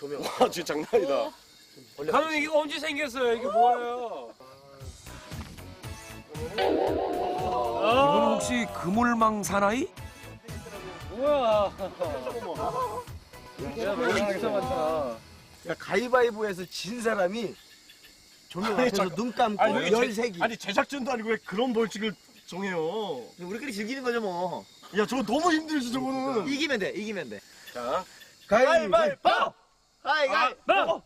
조명. 와, 진짜 장난 아니다. 가는 이게 언제 생겼어요? 이게 뭐예요? 이분 혹시 그물망 사나이? 뭐야? 야, 뭐야, 이상하다. 야, 가위바위보에서 진 사람이 조명 앞에서 눈 감고 아니, 열색이. 아니, 제작진도 아니고 왜 그런 벌칙을 정해요? 우리끼리 즐기는 거죠 뭐. 야, 저거 너무 힘들지, 저거는. 이기면 돼, 이기면 돼. 자, 가위바위보! 가위바위보!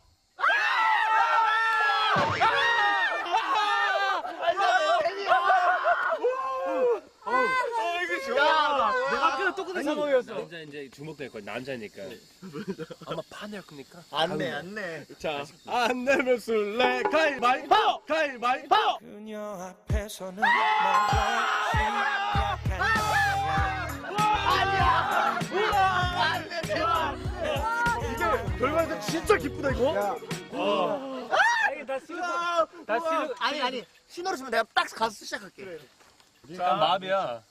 이게 좋아. 내가 아까 똑같은 상황이었어. 남자 이제 주목될 거야. 남자니까. 아마 파낼 겁니까? 안 내. 자, 안 내면 술래. 가위바위보! 가위바위보! 그녀 앞에서는 너같이 이게 결과에서 진짜 기쁘다, 이거. 아니, 다 싫어. 아니. 신호를 주면 내가 딱 가서 시작할게. 자, 마음이야.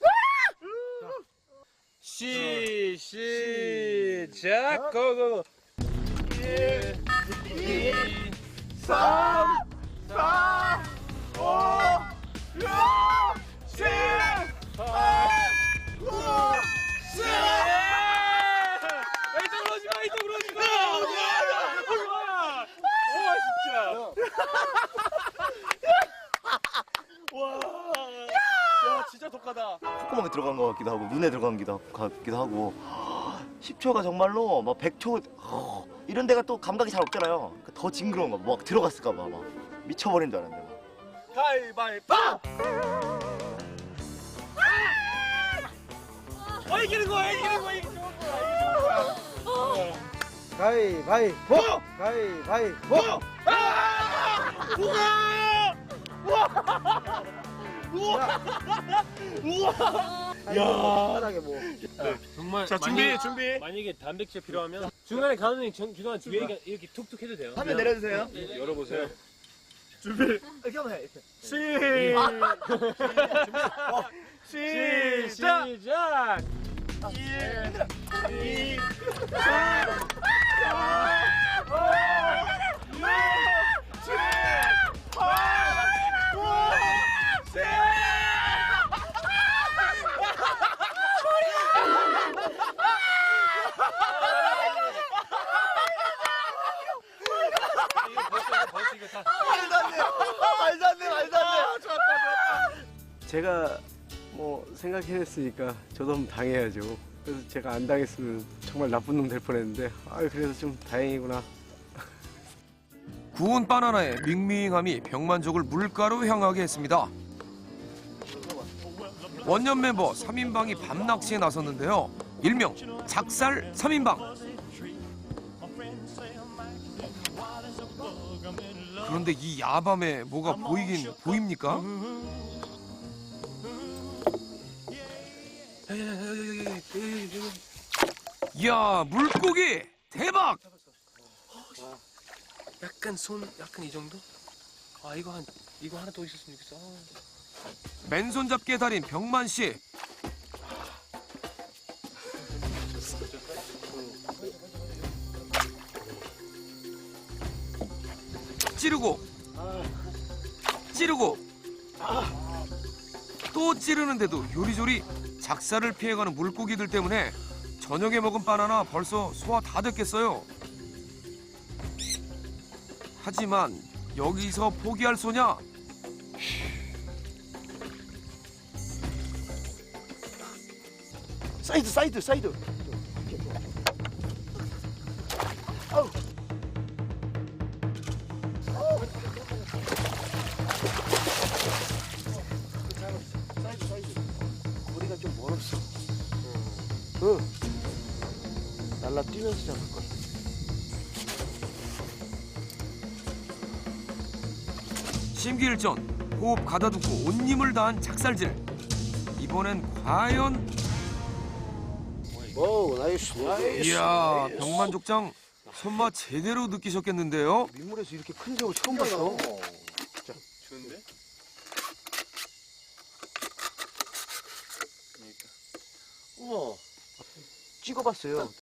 시작. 고고. 1, 2, 3, 4, 5, 6, 7, 8, 9, 10. 이쪽으로 오지 마. 이쪽으로 오지 마. 와, 진짜. 야, 진짜 독하다. 콧구멍에 들어간 것 같기도 하고 눈에 들어간 것 같기도 하고 10초가 정말로 막 100초 이런 데가 또 감각이 잘 없잖아요. 그러니까 더 징그러운 거 막 들어갔을까 봐 막 미쳐버린 줄 알았는데 막. 가위바위보! 이기는 거야. 이게 좋은 거야. 가위바위보! 가위바위보! 야. 뭐. 정말. 자, 준비. 만약에 단백질 필요하면 중간에 가는 중간 뒤에 이렇게 툭툭 해도 돼요. 화면 내려주세요. 열어보세요. 준비. 이렇게 하면 해. 시작. 시작. 1, 2, 3, 4, 5, 6, 7, 8, 9, 10. 벌써 이거 다. 말도 안 돼. 제가 뭐 생각해냈으니까 저도 한번 당해야죠. 그래서 제가 안 당했으면 정말 나쁜 놈 될 뻔했는데 그래서 좀 다행이구나. 구운 바나나의 밍밍함이 병만족을 물가로 향하게 했습니다. 원년 멤버 3인방이 밤낚시에 나섰는데요. 일명 작살 3인방. 그런데 이 야밤에 뭐가 보이긴 보입니까? 이야, 물고기 대박! 약간 약간 이 정도? 이거 하나 더 있었으면 좋겠어. 맨손 잡기의 달인 병만 씨. 찌르고 또 찌르는데도 요리조리 작살을 피해가는 물고기들 때문에 저녁에 먹은 바나나 벌써 소화 다 됐겠어요. 하지만 여기서 포기할 소냐? 사이드. 거리가 좀 멀었어. 날라뛰면서 잡을 거야. 심기일전 호흡 가다듬고 온님을 다한 작살질. 이번엔 과연? 오, 나이스. 이야, 병만족장 손맛 제대로 느끼셨겠는데요? 민물에서 이렇게 큰 새우 처음 봤어. 좋은데? 우와. 찍어봤어요.